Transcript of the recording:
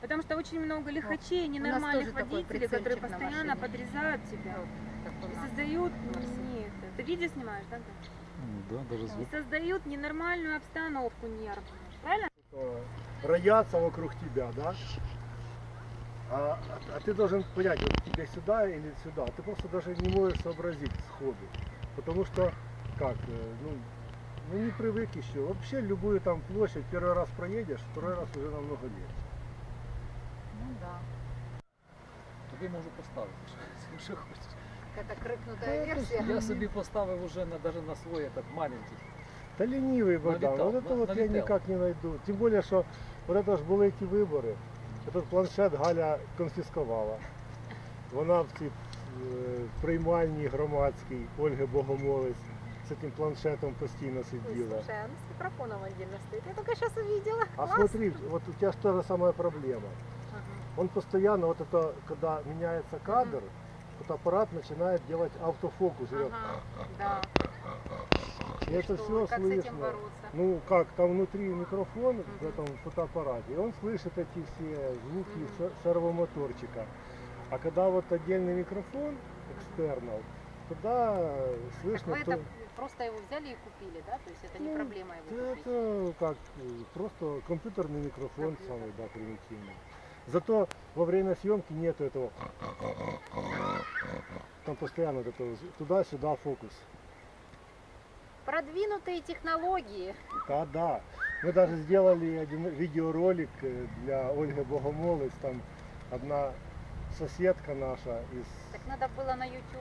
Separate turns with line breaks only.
Потому что очень много лихачей,
тоже
ненормальных
такой
водителей, которые
прицельчик на
постоянно
машине.
подрезают тебя.
Как у
И
нас.
создают,
Мерси.
нет, ты видео снимаешь, да?
Да, даже
И
звук.
создают ненормальную обстановку нервную, правильно?
Роятся вокруг тебя, да? А ты должен понять, вот тебе сюда или сюда. Ты просто даже не можешь сообразить сходу. Потому что, как, ну не привык еще. Вообще любую там площадь первый раз проедешь, второй раз уже намного легче.
Ну да.
Тобі можу поставити, якщо хочеш.
Какая-то крикнутая версия.
Я собі поставив уже навіть на свой этот маленький.
Да ленивый Богдан,
Налетал,
вот это вот я
налетел.
никак не найду. Тем более, что вот это ж були ті вибори. Этот планшет Галя конфіскувала. Вона в цій приймальній громадській Ольги Богомолець з цим планшетом постійно
Ой,
сиділа.
слушай, она с микрофоном отдельно стоит. Я только сейчас увидела.
А
Класс.
смотри, вот у тебя же та же самая проблема.
Ага.
Он постоянно, вот это, когда меняется кадр, вот аппарат начинает делать автофокус.
Ага, да.
И это
Что,
все
как с этим
слышно.
бороться?
Ну как, там внутри микрофон в этом фотоаппарате, и он слышит эти все звуки сервомоторчика. А когда вот отдельный микрофон, экстернал, тогда
Так
слышно...
вы это просто его взяли и купили, да? То есть это не
Ну,
проблема его
да,
купить?
это как, просто компьютерный микрофон самый, да, примитивный. Зато во время съемки нету этого... Там постоянно вот это туда-сюда фокус.
Продвинутые технологии.
Да, да. Мы даже сделали один видеоролик для Ольги Богомолець. Там одна соседка наша из...
Так надо было на YouTube